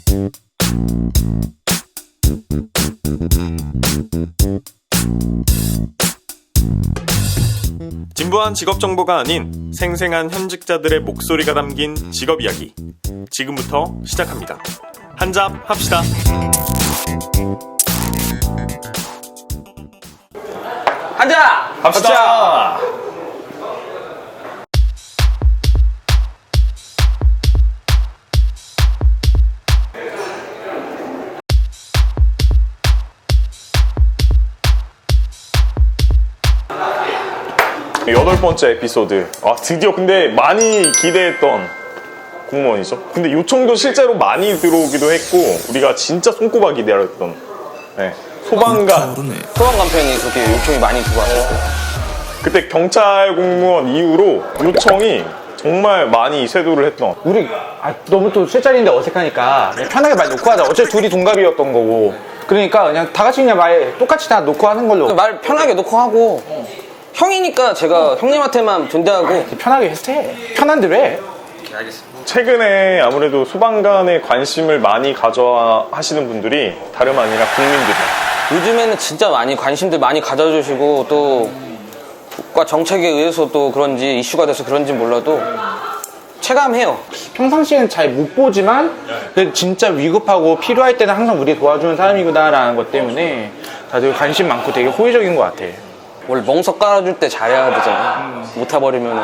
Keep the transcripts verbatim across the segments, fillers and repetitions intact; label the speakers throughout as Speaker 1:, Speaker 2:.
Speaker 1: 진부한 직업 정보가 아닌 생생한 현직자들의 목소리가 담긴 직업 이야기. 지금부터 시작합니다. 한잡 합시다.
Speaker 2: 한잡
Speaker 1: 합시다. 여덟 번째 에피소드. 아, 드디어 근데 많이 기대했던 공무원이죠. 근데 요청도 실제로 많이 들어오기도 했고, 우리가 진짜 손꼽아 기다렸던 네. 소방관.
Speaker 2: 소방관 편이 그렇게 요청이 많이 들어왔어요.
Speaker 1: 그때 경찰 공무원 이후로 요청이 정말 많이 쇄도를 했던.
Speaker 3: 우리 아, 너무 또 술자리인데 어색하니까 그냥 편하게 말 놓고 하자. 어차피 둘이 동갑이었던 거고. 그러니까 그냥 다 같이 그냥 말 똑같이 다 놓고 하는 걸로.
Speaker 2: 말 편하게 놓고 하고 형이니까 제가 형님한테만 존대하고
Speaker 3: 편하게 해. 편한 대로 해.
Speaker 1: 최근에 아무래도 소방관에 관심을 많이 가져 하시는 분들이 다름 아니라 국민들이에요.
Speaker 2: 요즘에는 진짜 많이 관심들 많이 가져주시고 또 국가 정책에 의해서 또 그런지 이슈가 돼서 그런지 몰라도 체감해요.
Speaker 3: 평상시에는 잘 못 보지만 그래도 진짜 위급하고 필요할 때는 항상 우리 도와주는 사람이구나라는 것 때문에 다들 관심 많고 되게 호의적인 것 같아.
Speaker 2: 원래 멍석 깔아줄 때 잘해야 되잖아요. 음. 못 타버리면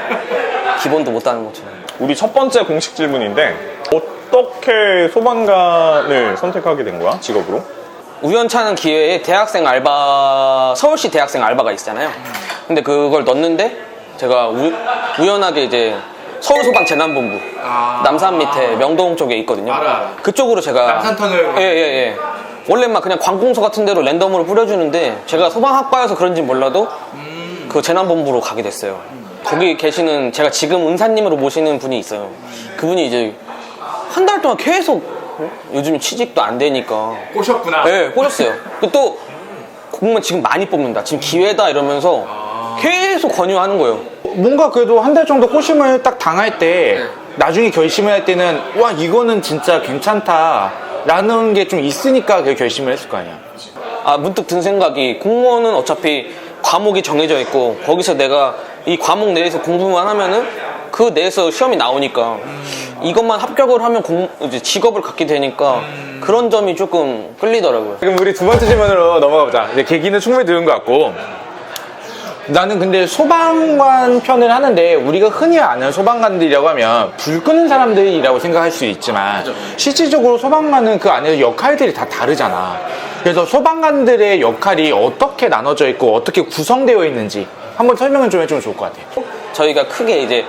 Speaker 2: 기본도 못 따는 것처럼.
Speaker 1: 우리 첫 번째 공식 질문인데, 어떻게 소방관을 선택하게 된 거야? 직업으로?
Speaker 2: 우연찮은 기회에 대학생 알바, 서울시 대학생 알바가 있잖아요. 근데 그걸 넣었는데 제가 우, 우연하게 이제 서울소방재난본부 아~ 남산 밑에 명동 쪽에 있거든요. 알아. 그쪽으로 제가
Speaker 3: 남산터널
Speaker 2: 예예예 예, 예. 원래 막 그냥 관공서 같은 데로 랜덤으로 뿌려주는데 제가 소방학과여서 그런지 몰라도 음. 그 재난본부로 가게 됐어요. 음. 거기 계시는 제가 지금 은사님으로 모시는 분이 있어요. 음. 그분이 이제 한 달 동안 계속 어? 요즘 취직도 안 되니까
Speaker 3: 꼬셨구나.
Speaker 2: 네, 꼬셨어요. 또 공무원 지금 많이 뽑는다. 지금 기회다 이러면서 아. 계속 권유하는 거예요.
Speaker 3: 뭔가 그래도 한 달 정도 꼬심을 딱 당할 때 네. 나중에 결심을 할 때는 와 이거는 진짜 괜찮다 라는 게 좀 있으니까 그 결심을 했을 거 아니야.
Speaker 2: 아 문득 든 생각이 공무원은 어차피 과목이 정해져 있고 거기서 내가 이 과목 내에서 공부만 하면은 그 내에서 시험이 나오니까 음. 이것만 합격을 하면 공, 이제 직업을 갖게 되니까 음. 그런 점이 조금 끌리더라고요.
Speaker 3: 그럼 우리 두 번째 질문으로 넘어가 보자. 이제 계기는 충분히 들은 것 같고, 나는 근데 소방관 편을 하는데 우리가 흔히 아는 소방관들이라고 하면 불 끄는 사람들이라고 생각할 수 있지만 실질적으로 소방관은 그 안에서 역할들이 다 다르잖아. 그래서 소방관들의 역할이 어떻게 나눠져 있고 어떻게 구성되어 있는지 한번 설명을 좀 해주면 좋을 것 같아요.
Speaker 2: 저희가 크게 이제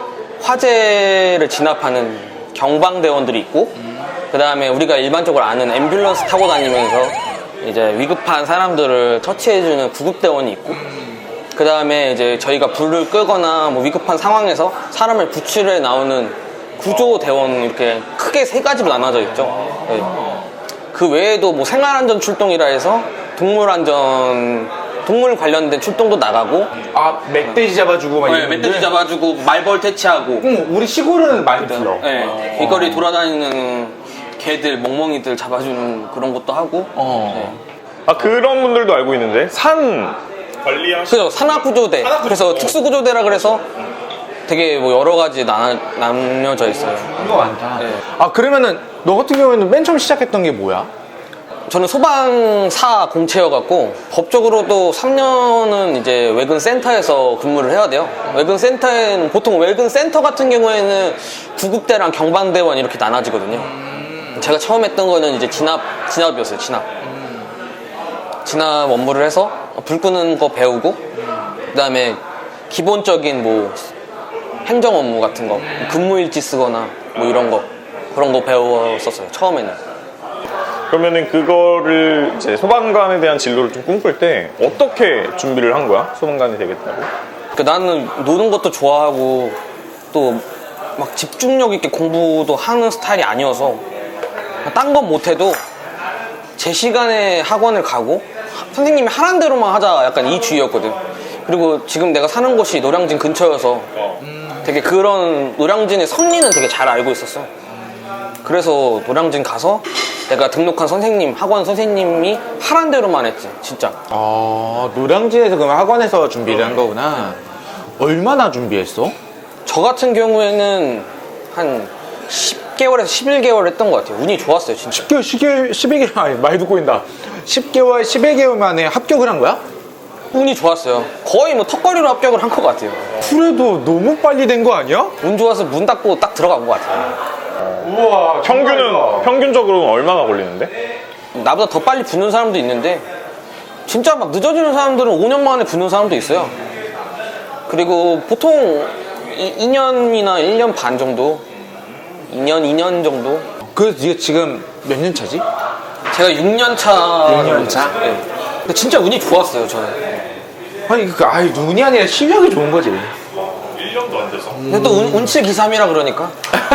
Speaker 2: 화재를 진압하는 경방대원들이 있고 그 다음에 우리가 일반적으로 아는 앰뷸런스 타고 다니면서 이제 위급한 사람들을 터치해주는 구급대원이 있고 그 다음에 이제 저희가 불을 끄거나 뭐 위급한 상황에서 사람을 구출해 나오는 구조대원 이렇게 크게 세 가지로 나눠져 있죠. 네. 그 외에도 뭐 생활안전 출동이라 해서 동물안전 동물 관련된 출동도 나가고
Speaker 3: 아 멧돼지 잡아주고 막
Speaker 2: 네,
Speaker 3: 이런
Speaker 2: 멧돼지 잡아주고 말벌 퇴치하고
Speaker 3: 응, 우리 시골은 많이 불러.
Speaker 2: 네, 길거리 돌아다니는 개들 멍멍이들 잡아주는 그런 것도 하고
Speaker 3: 어.
Speaker 2: 네.
Speaker 1: 아, 그런 분들도 알고 있는데, 산 관리하시
Speaker 2: 그래서 산악구조대 산악구조. 그래서 특수구조대라 그래서 되게 뭐 여러 가지 나, 나뉘어져 있어요.
Speaker 3: 이거 많다.
Speaker 2: 네.
Speaker 3: 아 그러면은 너 같은 경우에는 맨 처음 시작했던 게 뭐야?
Speaker 2: 저는 소방사 공채여갖고 법적으로도 삼 년은 이제 외근 센터에서 근무를 해야 돼요. 외근 센터에는 보통 외근 센터 같은 경우에는 구급대랑 경방대원 이렇게 나눠지거든요. 제가 처음 했던 거는 이제 진압 진압이었어요. 진압 진압 업무를 해서 불 끄는 거 배우고 그 다음에 기본적인 뭐 행정 업무 같은 거 근무일지 쓰거나 뭐 이런 거 그런 거 배웠었어요. 처음에는.
Speaker 1: 그러면은 그거를 이제 소방관에 대한 진로를 좀 꿈꿀 때 어떻게 준비를 한 거야? 소방관이 되겠다고?
Speaker 2: 그러니까 나는 노는 것도 좋아하고 또 막 집중력 있게 공부도 하는 스타일이 아니어서 딴 건 못해도 제 시간에 학원을 가고 선생님이 하라는 대로만 하자 약간 이 주의였거든. 그리고 지금 내가 사는 곳이 노량진 근처여서 되게 그런 노량진의 선리는 되게 잘 알고 있었어. 그래서 노량진 가서 내가 등록한 선생님, 학원 선생님이 하란 대로만 했지, 진짜.
Speaker 3: 아, 노량진에서 그럼 학원에서 준비를 한 거구나. 얼마나 준비했어?
Speaker 2: 저 같은 경우에는 한 십 개월에서 십일 개월 했던 것 같아요. 운이 좋았어요, 진짜.
Speaker 3: 십 개월, 십 개월, 십일 개월, 아니, 많이 듣고 있다. 십 개월, 십일 개월 만에 합격을 한 거야?
Speaker 2: 운이 좋았어요. 거의 뭐 턱걸이로 합격을 한 것 같아요.
Speaker 3: 그래도 너무 빨리 된 거 아니야?
Speaker 2: 운 좋아서 문 닫고 딱 들어간 것 같아요.
Speaker 3: 우와,
Speaker 1: 평균은 평균적으로 얼마나 걸리는데?
Speaker 2: 나보다 더 빨리 붙는 사람도 있는데 진짜 막 늦어지는 사람들은 오 년 만에 붙는 사람도 있어요. 그리고 보통 이 년이나 일 년 반 정도, 이 년, 이 년 정도.
Speaker 3: 그래서 네가 지금 몇 년 차지?
Speaker 2: 제가 육 년 차.
Speaker 3: 육 년 차?
Speaker 2: 네. 근데 진짜 운이 좋았어요, 저는.
Speaker 3: 아니, 그, 아이, 눈이 아니라 실력이 좋은 거지.
Speaker 1: 일 년도 안 돼서.
Speaker 2: 근데 또 운, 운칠 기삼이라 그러니까.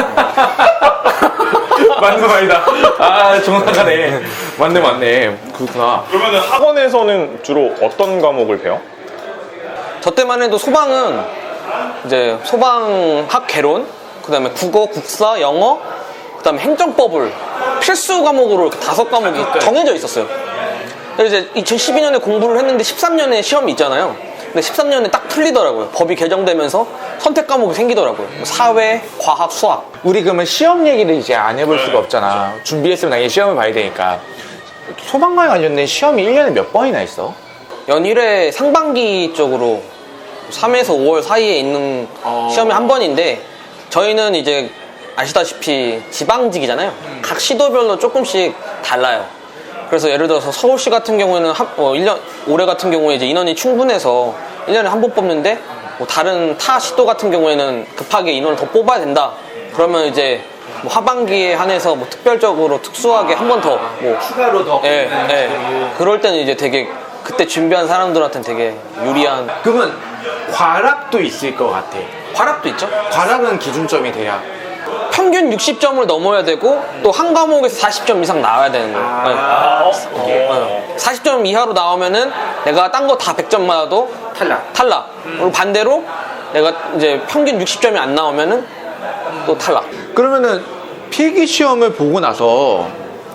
Speaker 3: 맞는 말이다. 아, 정확하네. 맞네, 맞네. 그렇구나.
Speaker 1: 그러면 학원에서는 주로 어떤 과목을 배워?
Speaker 2: 저 때만 해도 소방은 이제 소방학 개론, 그 다음에 국어, 국사, 영어, 그 다음에 행정법을 필수 과목으로 이렇게 다섯 과목이 정해져 있었어요. 그래서 이제 이천십이 년에 공부를 했는데 십삼 년에 시험이 있잖아요. 근데 십삼 년에 딱 풀리더라고요. 법이 개정되면서 선택 과목이 생기더라고요. 뭐 사회, 과학, 수학.
Speaker 3: 우리 그러면 시험 얘기를 이제 안 해볼 수가 없잖아. 준비했으면 당연히 시험을 봐야 되니까. 소방관에 관련된 시험이 일 년에 몇 번이나 있어?
Speaker 2: 연일에 상반기 쪽으로 삼에서 오월 사이에 있는 시험이 한 번인데 저희는 이제 아시다시피 지방직이잖아요. 각 시도별로 조금씩 달라요. 그래서 예를 들어서 서울시 같은 경우에는 한, 어, 일 년, 올해 같은 경우에 이제 인원이 충분해서 일 년에 한 번 뽑는데 뭐 다른 타 시도 같은 경우에는 급하게 인원을 더 뽑아야 된다. 그러면 이제 뭐 하반기에 한해서 뭐 특별적으로 특수하게 한 번 더 뭐
Speaker 3: 추가로 더.
Speaker 2: 예, 예. 그럴 때는 이제 되게 그때 준비한 사람들한테는 되게 유리한.
Speaker 3: 그러면 과락도 있을 것 같아.
Speaker 2: 과락도 있죠.
Speaker 3: 과락은 기준점이 돼야.
Speaker 2: 평균 육십 점을 넘어야 되고 또 한 과목에서 사십 점 이상 나와야 되는 거예요.
Speaker 3: 아,
Speaker 2: 네. 어, 사십 점 이하로 나오면은 내가 딴 거 다 백 점 맞아도
Speaker 3: 탈락.
Speaker 2: 탈락. 그리고 반대로 내가 이제 평균 육십 점이 안 나오면은 또 탈락.
Speaker 3: 그러면은 필기 시험을 보고 나서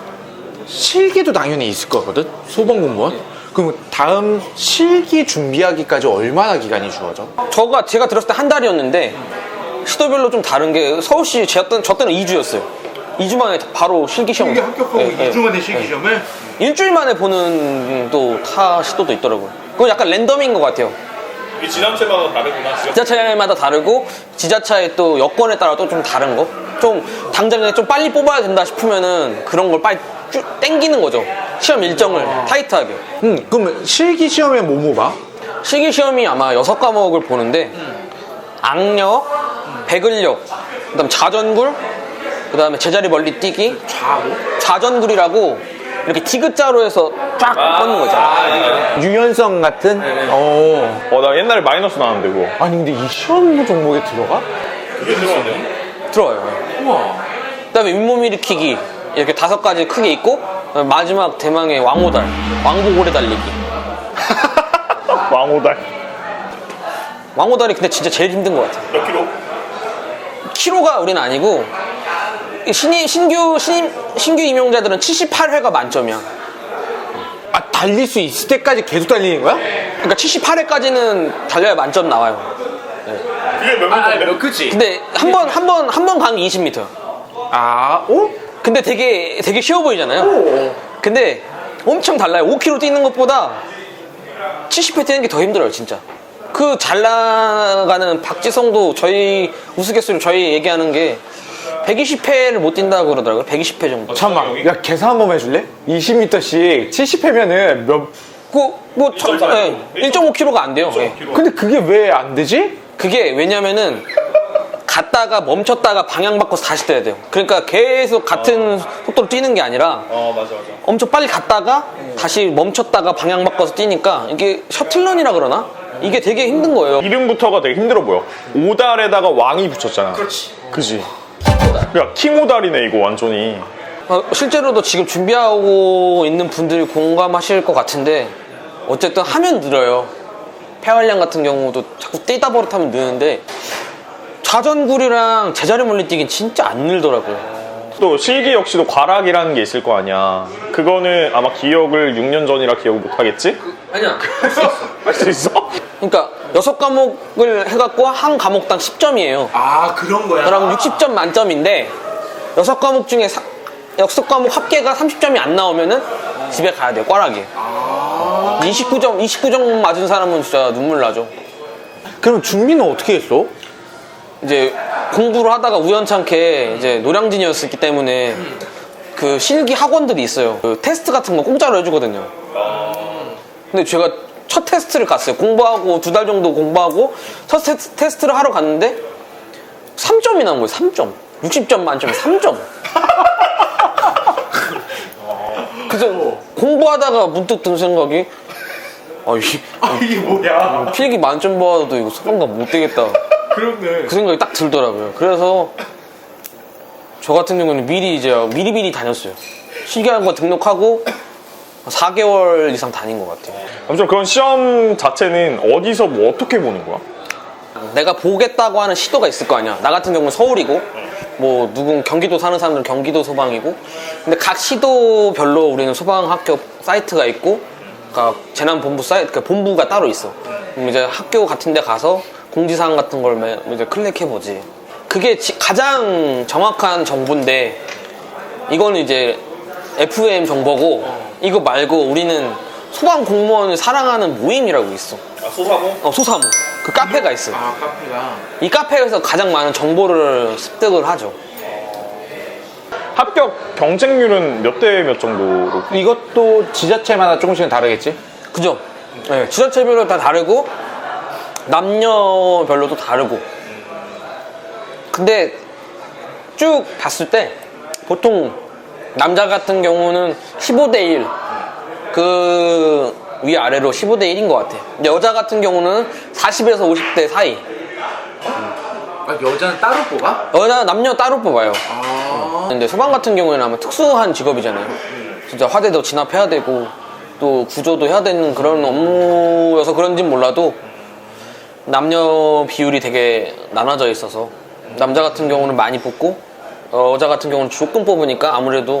Speaker 3: 실기도 당연히 있을 거거든? 소방 공무원? 그럼 다음 실기 준비하기까지 얼마나 기간이 주어져?
Speaker 2: 저가 제가 들었을 때 한 달이었는데 시도별로 좀 다른 게 서울시 제 때, 저 때는 이 주였어요. 이 주 만에 바로 실기 시험.
Speaker 3: 실기 합격하고
Speaker 2: 예, 예.
Speaker 3: 이 주 만에 실기 시험을?
Speaker 2: 일주일 만에 보는 또 타 시도도 있더라고요. 그건 약간 랜덤인 것 같아요.
Speaker 1: 이 지자체마다 다르구나.
Speaker 2: 지자체마다 다르고 지자체의 또 여건에 따라 또 좀 다른 거. 좀 당장에 좀 빨리 뽑아야 된다 싶으면은 그런 걸 빨리 쭉 땡기는 거죠. 시험 일정을 타이트하게.
Speaker 3: 응, 그럼 실기 시험에 뭐뭐 봐?
Speaker 2: 실기 시험이 아마 여섯 과목을 보는데 악력, 배근력, 그다음 자전굴, 그다음에 제자리 멀리 뛰기,
Speaker 3: 좌우?
Speaker 2: 좌전굴이라고 이렇게 디귿자로 해서 쫙 뻗는 거죠.
Speaker 3: 유연성 같은? 어.
Speaker 1: 어, 나 옛날에 마이너스 나왔는데 그거.
Speaker 3: 아니 근데 이 시험 종목에 들어가?
Speaker 1: 그게 들어갔네요.
Speaker 2: 들어와요.
Speaker 3: 우와.
Speaker 2: 그다음에 윗몸 일으키기 이렇게 다섯 가지 크게 있고 마지막 대망의 왕호달, 왕복오래 달리기.
Speaker 1: 왕호달.
Speaker 2: 왕호달이 근데 진짜 제일 힘든 것 같아요.
Speaker 1: 몇 킬로?
Speaker 2: 키로가 우리는 아니고 신이, 신규 신, 신규 임용자들은 칠십팔 회가 만점이야.
Speaker 3: 아 달릴 수 있을 때까지 계속 달리는 거야?
Speaker 2: 그러니까 칠십팔 회까지는 달려야 만점 나와요.
Speaker 1: 그게 몇 미터인데?
Speaker 3: 그치?
Speaker 2: 근데 한 번 한 번 한 번 가는 게 이십 미터.
Speaker 3: 아, 어?
Speaker 2: 근데 되게 되게 쉬워 보이잖아요. 근데 엄청 달라요. 오 킬로미터 뛰는 것보다 칠십 회 뛰는 게 더 힘들어요, 진짜. 그 잘 나가는 박지성도 저희 우스갯소리로 저희 얘기하는 게 백이십 회를 못 뛴다고 그러더라고요. 백이십 회 정도.
Speaker 3: 잠깐만, 야 계산 한 번 해줄래? 이십 미터씩 칠십 회면은 몇?
Speaker 2: 그, 뭐, 천, 예, 일 점 오 킬로미터가 안 돼요. 예.
Speaker 3: 근데 그게 왜 안 되지?
Speaker 2: 그게 왜냐면은 갔다가 멈췄다가 방향 바꿔서 다시 뛰어야 돼요. 그러니까 계속 같은 속도로 뛰는 게 아니라
Speaker 1: 어, 맞아, 맞아.
Speaker 2: 엄청 빨리 갔다가 다시 멈췄다가 방향 바꿔서 뛰니까 이게 셔틀런이라 그러나? 이게 되게 힘든 거예요.
Speaker 1: 이름부터가 되게 힘들어 보여. 오달에다가 왕이 붙였잖아.
Speaker 3: 그렇지.
Speaker 1: 그지? 야, 킹오달이네, 이거 완전히.
Speaker 2: 어, 실제로도 지금 준비하고 있는 분들이 공감하실 것 같은데 어쨌든 하면 늘어요. 폐활량 같은 경우도 자꾸 뛰다 버릇하면 느는데 자전굴이랑 제자리 멀리 뛰기는 진짜 안 늘더라고요.
Speaker 1: 또 실기 역시도 과락이라는 게 있을 거 아니야. 그거는 아마 기억을 육 년 전이라 기억을 못 하겠지?
Speaker 2: 아니야, 할 수 있어.
Speaker 1: 할 수 있어?
Speaker 2: 그러니까 여섯 과목을 해갖고 한 과목당 십 점이에요.
Speaker 3: 아 그런 거야?
Speaker 2: 그럼 육십 점 만점인데 여섯 과목 중에 사, 여섯 과목 합계가 삼십 점이 안 나오면은 집에 가야 돼요. 꽈락이.
Speaker 3: 아...
Speaker 2: 이십구 점, 이십구 점 맞은 사람은 진짜 눈물 나죠.
Speaker 3: 그럼 준비는 어떻게 했어?
Speaker 2: 이제 공부를 하다가 우연찮게 이제 노량진이었기 때문에 그 실기 학원들이 있어요. 그 테스트 같은 거 공짜로 해주거든요. 근데 제가 첫 테스트를 갔어요. 공부하고 두 달 정도 공부하고 첫 테스, 테스트를 하러 갔는데 삼 점이 나온 거예요. 삼 점. 육십 점 만점에 삼 점. 그래서 공부하다가 문득 든 생각이 아, 이,
Speaker 3: 아 이게 뭐야?
Speaker 2: 필기 만점 받아도 이거 소방관 못 되겠다.
Speaker 3: 그렇네.
Speaker 2: 그 생각이 딱 들더라고요. 그래서 저 같은 경우는 미리 이제 미리미리 다녔어요. 실기학원 등록하고 사 개월 이상 다닌 것 같아요.
Speaker 1: 아무튼 그런 시험 자체는 어디서 뭐 어떻게 보는 거야?
Speaker 2: 내가 보겠다고 하는 시도가 있을 거 아니야. 나 같은 경우는 서울이고 뭐 누군 경기도 사는 사람들은 경기도 소방이고 근데 각 시도별로 우리는 소방학교 사이트가 있고 그러니까 재난본부 사이트 그 본부가 따로 있어. 그럼 이제 학교 같은 데 가서 공지사항 같은 걸 매- 이제 클릭해보지. 그게 지- 가장 정확한 정보인데 이거는 이제 에프엠 정보고 이거 말고 우리는 소방 공무원을 사랑하는 모임이라고 있어.
Speaker 1: 아, 소사모?
Speaker 2: 어, 소사모. 그 카페가 있어.
Speaker 3: 아 카페가.
Speaker 2: 이 카페에서 가장 많은 정보를 습득을 하죠.
Speaker 1: 합격 경쟁률은 몇 대 몇 정도로?
Speaker 3: 이것도 지자체마다 조금씩은 다르겠지?
Speaker 2: 그죠? 네, 지자체별로 다 다르고 남녀별로도 다르고. 근데 쭉 봤을 때 보통 남자 같은 경우는 십오 대 일 그 위아래로 십오 대 일인 것 같아. 여자 같은 경우는 사십에서 오십 대 사이.
Speaker 3: 아 여자는 따로 뽑아?
Speaker 2: 여자 남녀 따로 뽑아요.
Speaker 3: 아.
Speaker 2: 근데 소방 같은 경우에는 아마 특수한 직업이잖아요. 진짜 화재도 진압해야 되고 또 구조도 해야 되는 그런 업무여서 그런진 몰라도 남녀 비율이 되게 나눠져 있어서 남자 같은 경우는 많이 뽑고 여자 같은 경우는 조금 뽑으니까 아무래도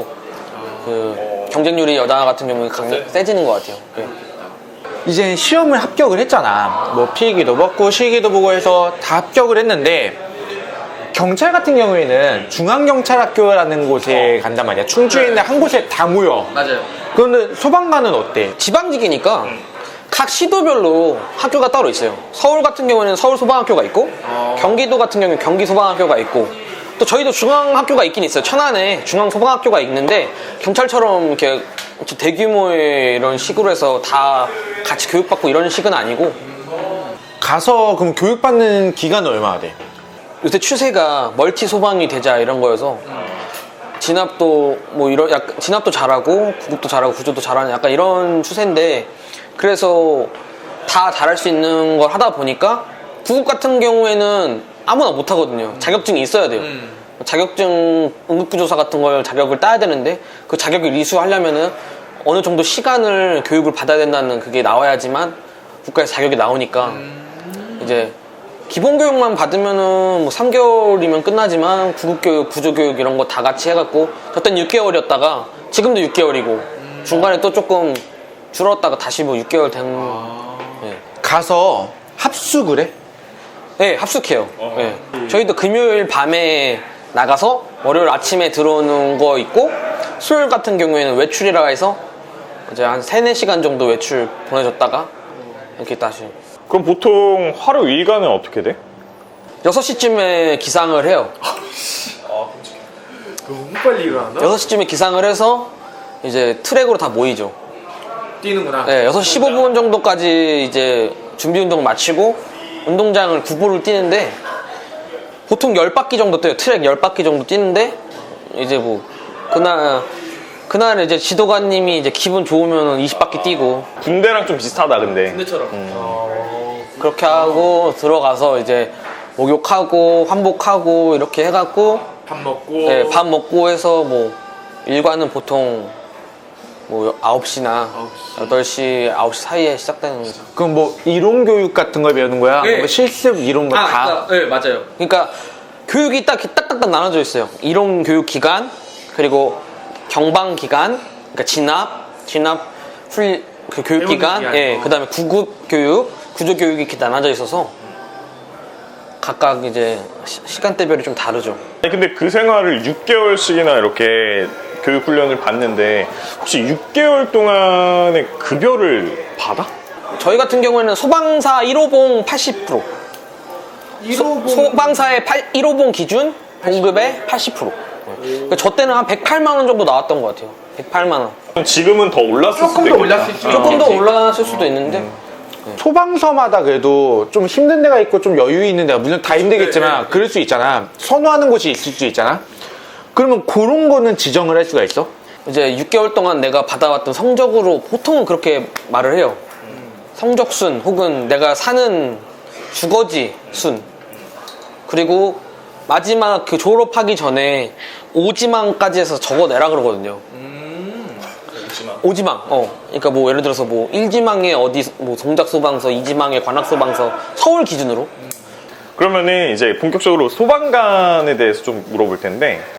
Speaker 2: 그 경쟁률이 여자 같은 경우는 강, 세지는 것 같아요. 네.
Speaker 3: 이제 시험을 합격을 했잖아. 뭐 필기도 먹고 실기도 보고 해서 다 합격을 했는데 경찰 같은 경우에는 중앙경찰학교라는 곳에 간단 말이야. 충주에 있는 한 곳에 다 모여.
Speaker 2: 맞아요.
Speaker 3: 그런데 소방관은 어때?
Speaker 2: 지방직이니까 각 시도별로 학교가 따로 있어요. 서울 같은 경우에는 서울 소방학교가 있고 경기도 같은 경우는 경기 소방학교가 있고 또 저희도 중앙학교가 있긴 있어요. 천안에 중앙소방학교가 있는데 경찰처럼 이렇게 대규모의 이런 식으로 해서 다 같이 교육받고 이런 식은 아니고
Speaker 3: 가서 그럼 교육받는 기간은 얼마나 돼?
Speaker 2: 요새 추세가 멀티 소방이 되자 이런 거여서 진압도 뭐 이런 약간 진압도 잘하고 구급도 잘하고 구조도 잘하는 약간 이런 추세인데 그래서 다 잘할 수 있는 걸 하다 보니까 구급 같은 경우에는 아무나 못 하거든요. 자격증이 있어야 돼요.
Speaker 3: 음.
Speaker 2: 자격증 응급구조사 같은 걸 자격을 따야 되는데 그 자격을 이수하려면은 어느 정도 시간을 교육을 받아야 된다는 그게 나와야지만 국가에서 자격이 나오니까
Speaker 3: 음.
Speaker 2: 이제 기본 교육만 받으면은 뭐 삼 개월이면 끝나지만 구급교육, 구조교육 이런 거 다 같이 해갖고 저땐 육 개월이었다가 지금도 육 개월이고 중간에 또 조금 줄었다가 다시 뭐 육 개월 된. 네.
Speaker 3: 가서 합숙을 해?
Speaker 2: 네, 합숙해요. 네. 저희도 금요일 밤에 나가서 월요일 아침에 들어오는 거 있고 수요일 같은 경우에는 외출이라 해서 이제 한 세네 시간 정도 외출 보내줬다가 이렇게 다시
Speaker 1: 그럼 보통 하루 일과는 어떻게 돼?
Speaker 2: 여섯 시쯤에 기상을 해요.
Speaker 3: 너무 빨리 일어난다?
Speaker 2: 여섯 시쯤에 기상을 해서 이제 트랙으로 다 모이죠.
Speaker 3: 뛰는구나.
Speaker 2: 네, 여섯 시 십오 분 정도까지 이제 준비 운동 마치고 운동장을 구보를 뛰는데 보통 열 바퀴 정도 뛰어요. 트랙 열 바퀴 정도 뛰는데 이제 뭐 그날 그날 이제 지도관님이 이제 기분 좋으면 이십 바퀴 뛰고
Speaker 1: 군대랑 좀 비슷하다 근데.
Speaker 2: 군대처럼 그렇게 하고 들어가서 이제 목욕하고 환복하고 이렇게 해갖고
Speaker 3: 밥 먹고.
Speaker 2: 네, 밥 먹고 해서 뭐 일과는 보통 뭐 아홉 시나 여덟 시, 아홉 시 사이에 시작되는 거죠.
Speaker 3: 그럼 뭐 이론 교육 같은 걸 배우는 거야?
Speaker 2: 네.
Speaker 3: 뭐 실습 이런 거 다?
Speaker 2: 네, 맞아요. 그러니까 교육이 딱 이렇게 딱딱딱 나눠져 있어요. 이론 교육 기간, 그리고 경방 기간, 그러니까 진압, 진압 훌, 그 교육 기간,
Speaker 3: 기간.
Speaker 2: 예, 그다음에 구급 교육, 구조 교육이 이렇게 나눠져 있어서 각각 이제 시, 시간대별이 좀 다르죠.
Speaker 1: 아니, 근데 그 생활을 육 개월씩이나 이렇게 교육 훈련을 받는데 혹시 육 개월 동안의 급여를 받아?
Speaker 2: 저희 같은 경우에는 소방사 일 호봉 팔십 퍼센트, 소, 소방사의 팔, 일 호봉 기준 봉급의 팔십 퍼센트. 그러니까 저 때는 한 백팔만 원 정도 나왔던 것 같아요. 백팔만 원.
Speaker 1: 지금은 더 올랐을
Speaker 3: 조금
Speaker 1: 수도
Speaker 3: 더
Speaker 1: 있겠다.
Speaker 3: 올랐을 수
Speaker 2: 조금 더 올라갔을 수도 있는데
Speaker 3: 소방서마다 그래도 좀 힘든 데가 있고 좀 여유 있는 데가 물론 다 힘들겠지만 그럴 수 있잖아. 선호하는 곳이 있을 수 있잖아. 그러면 그런 거는 지정을 할 수가 있어?
Speaker 2: 이제 육 개월 동안 내가 받아왔던 성적으로 보통은 그렇게 말을 해요. 성적순 혹은 내가 사는 주거지 순. 그리고 마지막 그 졸업하기 전에 오지망까지 해서 적어내라 그러거든요. 오지망. 어. 그러니까 뭐 예를 들어서 뭐 일 지망에 어디 뭐 동작소방서, 이 지망에 관악소방서 서울 기준으로.
Speaker 1: 그러면은 이제 본격적으로 소방관에 대해서 좀 물어볼 텐데